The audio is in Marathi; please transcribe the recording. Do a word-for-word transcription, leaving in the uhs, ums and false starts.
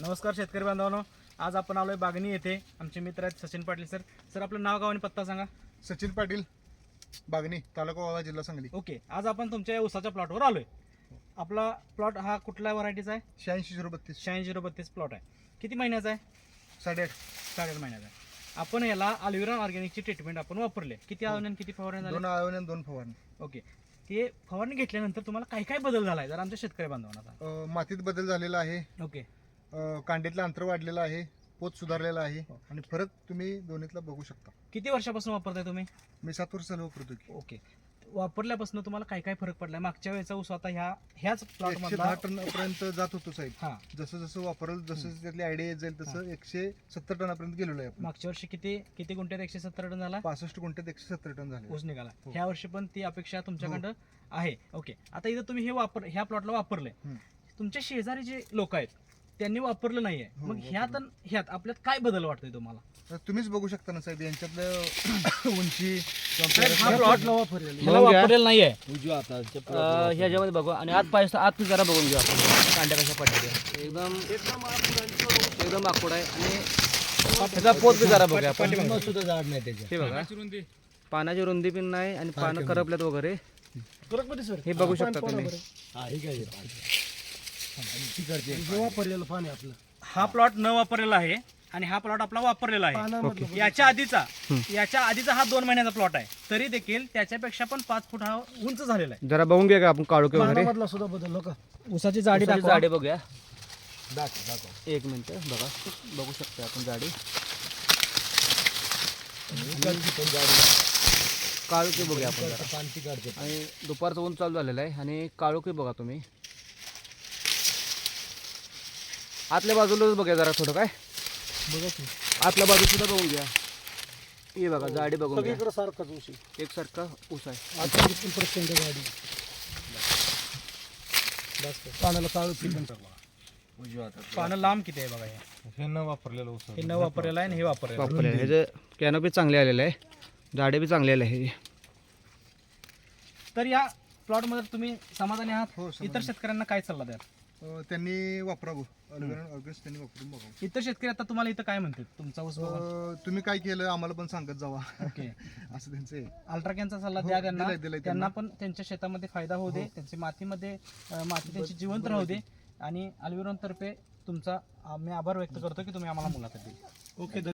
नमस्कार शेतकरी बांधवांनो, आज आपण आलोय बागणी येथे. आमचे मित्र आहेत सचिन पाटील सर. सर आपलं नाव गाव आणि पत्ता सांगा. सचिन पाटील, बागणी, तालुका वाळवा, जिल्हा सांगली. ओके, आज आपण तुमच्या उसाच्या प्लॉटवर आलोय. आपला प्लॉट हा कुठल्या व्हरायटीचा आहे? शहाऐंशी झिरो बत्तीस. शहाऐंशी झिरो बत्तीस प्लॉट आहे. किती महिन्याचा आहे? साडेआठ साडेआठ महिन्याचा आहे. आपण याला अल्विरॉन ऑर्गॅनिकची ट्रीटमेंट आपण वापरले. किती आळवणी आणि किती फवारणी दोन झाली? आळवणी आणि दोन फवारणी. ओके, ते फवारणी घेतल्यानंतर तुम्हाला काय काय बदल झालाय जर आमच्या शेतकरी बांधवांना सांगा. अं, मातीत बदल झालेला आहे. ओके, अं, कांडीतलं अंतर वाढलेलं आहे. पोत सुधारलेला आहे आणि फरक तुम्ही दोन्हीतला बघू शकता. किती वर्षापासून वापरताय तुम्ही? मी सात वर्ष झालं वापरतो की. ओके, वापरल्यापासून तुम्हाला काय काय फरक पडलाय? मागच्या वेळेचा ऊस आता ह्या ह्याच प्लॉट एकशे मधला दहा टन पर्यंत जात होतो साहेब. हा, जसं जसं वापरल जसं जसं त्यातली आयडिया येत जाईल तसं एकशे सत्तर टनापर्यंत गेलेलो आहे आपण. मागच्या वर्षी किती किती गुंठ्यात एकशे सत्तर टन झाला पासष्ट गुंठ्यात एकशे सत्तर टन झाले. ऊस निघाला. हो. ह्या वर्षी पण ती अपेक्षा तुमच्याकडं आहे. ओके, आता इथं तुम्ही हे वापर ह्या प्लॉटला वापरले. हम्म. तुमच्या शेजारी जे लोक आहेत त्यांनी वापरलं नाहीये, हो, मग ह्यात वापरलं. आणि ह्यात आपल्यात काय बदल वाटतोय तुम्हाला? तर तुम्हीच बघू शकता ना साहेब यांच्यातलं उंची हा प्लॉट ह्याला बघून घ्या. वापरलेला नाहीये. अं, ह्याच्यामध्ये बघू आणि आत पाहिजे आत जरा बघून घेऊ आपण कांड्या कशा पडतात एकदम एकदम आखूड आहे आणि त्याचा पोत बी जरा बघूया आपण. हे बघा, पानाची रुंदी पण नाही आणि पानं करपल्यात वगैरे हे बघू शकता तुम्ही. हा प्लॉट न वापरलेला आहे आणि हा प्लॉट आपला वापरलेला आहे. याच्या आधीचा याच्या आधीचा हा दोन महिन्याचा प्लॉट आहे, तरी देखील त्याच्यापेक्षा पण पाच फूट हा उंच झालेला आहे. जरा बघून घ्या का आपण काळोखे वगैरे उसाची जाडी उसाची दाखवा. जाडी बघूया. एक मिनिट बघा, बघू शकता आपण जाडी काळोखी बघूया आपण जरा. आणि दुपारचं ऊन चालू झालेलं आहे आणि काळोखी बघा तुम्ही. आतल्या बाजूलाच बघा जरा थोडं काय आतल्या बाजू सुद्धा बघून घ्या. हे बघा जाडी बघून घ्या. एकसारखा ऊस आहे. पानं लांब किती आहे बघा. हे हे न वापरलेलं ऊस हे न वापरलेलं आहे आणि हे वापरलेलं आहे. वापरले ह्याचं कॅनोपी चांगले आलेलं आहे, जाडे बी चांगले आले आहे. तर या प्लॉट मध्ये तुम्ही समाधानी आहात? हो, समाधानी. इतर शेतकऱ्यांना काय सल्ला द्याल? अं, त्यांनी वापरावं. अल्विरॉन ऑर्गॅनिक त्यांनी वापरून बघावं. इतर शेतकरी आता तुम्हाला इथं काय म्हणतात तुमचा ऊस बघून? अं, तुम्ही काय केलं आम्हाला पण सांगत जावा ओके, असं त्यांचं आहे. अल्ट्राकॅनचा सल्ला हो, द्या त्यांना. दिलाय- दिलाय त्यांना त्यांना. पण त्यांच्या शेतामध्ये फायदा होऊ दे, त्यांची मातीमध्ये अं, माती त्यांची जिवंत राहू दे. आणि अल्विरॉन तर्फे तुमचा आम्ही आभार व्यक्त करतो की तुम्ही आम्हाला मुलाखत दिली. ओके.